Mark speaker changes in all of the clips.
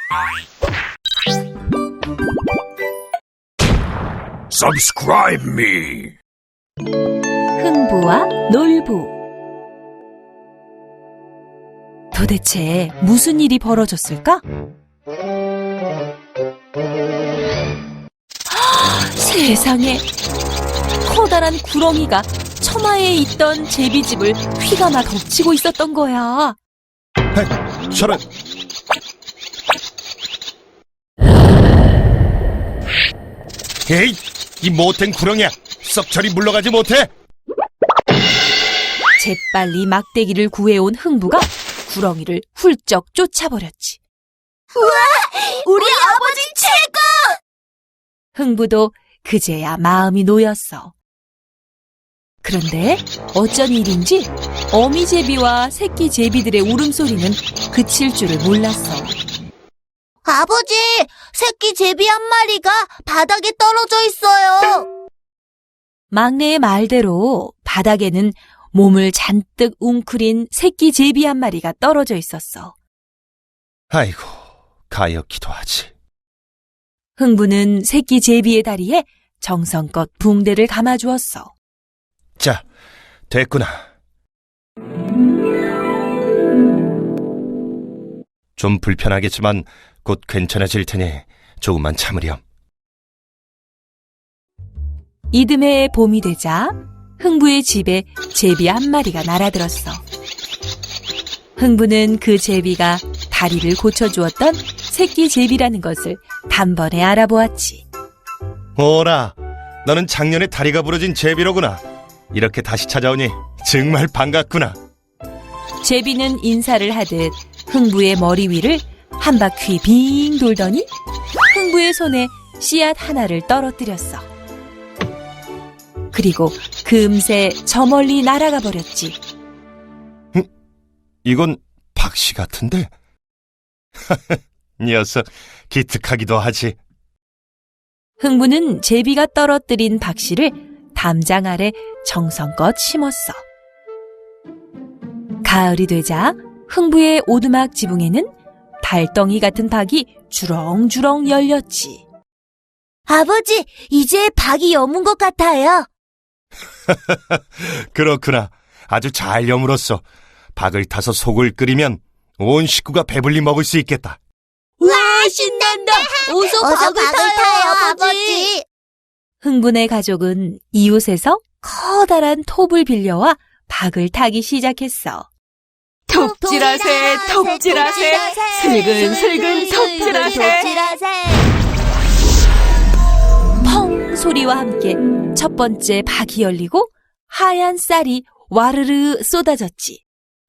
Speaker 1: Subscribe me.
Speaker 2: 흥부와 놀부. 도대체 무슨 일이 벌어졌을까? 세상에, 커다란 구렁이가 처마에 있던 제비집을 휘감아 덮치고 있었던 거야.
Speaker 1: 저런. 에이, 이 못된 구렁이야. 썩 저리 물러가지 못해.
Speaker 2: 재빨리 막대기를 구해온 흥부가 구렁이를 훌쩍 쫓아버렸지.
Speaker 3: 우리 아버지 최고!
Speaker 2: 흥부도 그제야 마음이 놓였어. 그런데 어쩐 일인지 어미 제비와 새끼 제비들의 울음소리는 그칠 줄을 몰랐어.
Speaker 3: 아버지, 새끼 제비 한 마리가 바닥에 떨어져 있어요.
Speaker 2: 막내의 말대로 바닥에는 몸을 잔뜩 웅크린 새끼 제비 한 마리가 떨어져 있었어.
Speaker 1: 아이고, 가엾기도 하지.
Speaker 2: 흥부는 새끼 제비의 다리에 정성껏 붕대를 감아주었어.
Speaker 1: 자, 됐구나. 좀 불편하겠지만 곧 괜찮아질 테니 조금만 참으렴.
Speaker 2: 이듬해 봄이 되자 흥부의 집에 제비 한 마리가 날아들었어. 흥부는 그 제비가 다리를 고쳐주었던 새끼 제비라는 것을 단번에 알아보았지.
Speaker 1: 오라, 너는 작년에 다리가 부러진 제비로구나. 이렇게 다시 찾아오니 정말 반갑구나.
Speaker 2: 제비는 인사를 하듯 흥부의 머리 위를 한 바퀴 빙 돌더니 흥부의 손에 씨앗 하나를 떨어뜨렸어. 그리고 금세 저 멀리 날아가 버렸지.
Speaker 1: 이건 박씨 같은데? 녀석 기특하기도 하지.
Speaker 2: 흥부는 제비가 떨어뜨린 박씨를 담장 아래 정성껏 심었어. 가을이 되자 흥부의 오두막 지붕에는 달덩이 같은 박이 주렁주렁 열렸지.
Speaker 3: 아버지, 이제 박이 여문 것 같아요.
Speaker 1: 그렇구나. 아주 잘 여물었어. 박을 타서 속을 끓이면 온 식구가 배불리 먹을 수 있겠다.
Speaker 3: 와, 신난다. 어서 박을 타요, 아버지.
Speaker 2: 흥분의 가족은 이웃에서 커다란 톱을 빌려와 박을 타기 시작했어. 톱질하세, 톱질하세, 슬근슬근 톱질하세. 펑 소리와 함께 첫 번째 박이 열리고 하얀 쌀이 와르르 쏟아졌지.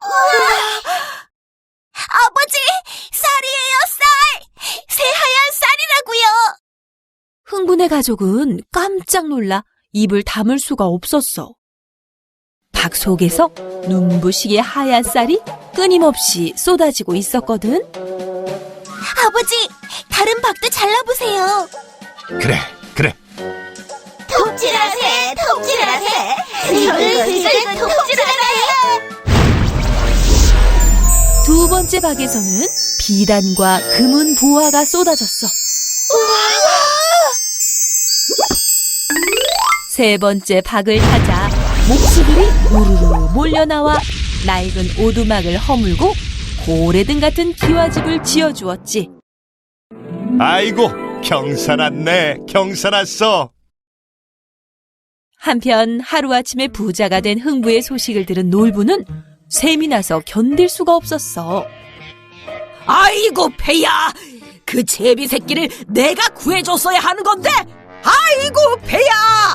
Speaker 3: 아버지, 쌀이에요, 쌀! 새하얀 쌀이라고요.
Speaker 2: 흥분의 가족은 깜짝 놀라 입을 다물 수가 없었어. 박 속에서 눈부시게 하얀 쌀이 끊임없이 쏟아지고 있었거든.
Speaker 3: 아버지, 다른 박도 잘라보세요.
Speaker 1: 그래.
Speaker 3: 톱질하세, 톱질하세, 슬슬슬 톱질하세.
Speaker 2: 두 번째 박에서는 비단과 금은 보화가 쏟아졌어. 세 번째 박을 타자 목수들이 우르르 몰려나와 낡은 오두막을 허물고 고래등 같은 기와집을 지어주었지.
Speaker 1: 아이고, 경사났네. 경사났어.
Speaker 2: 한편 하루아침에 부자가 된 흥부의 소식을 들은 놀부는 셈이 나서 견딜 수가 없었어.
Speaker 4: 아이고 배야, 그 제비 새끼를 내가 구해줬어야 하는 건데. 아이고 배야,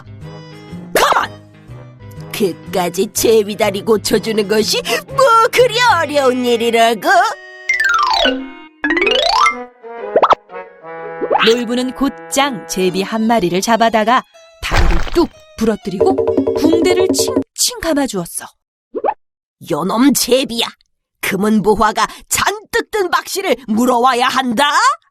Speaker 4: 가만.
Speaker 3: 그까지 제비다리 고쳐주는 것이 뭐 그리 어려운 일이라고?
Speaker 2: 놀부는 곧장 제비 한 마리를 잡아다가 다리를 뚝 부러뜨리고 붕대를 칭칭 감아주었어.
Speaker 4: 요놈 제비야, 금은 보화가 잔뜩 든 박씨를 물어와야 한다.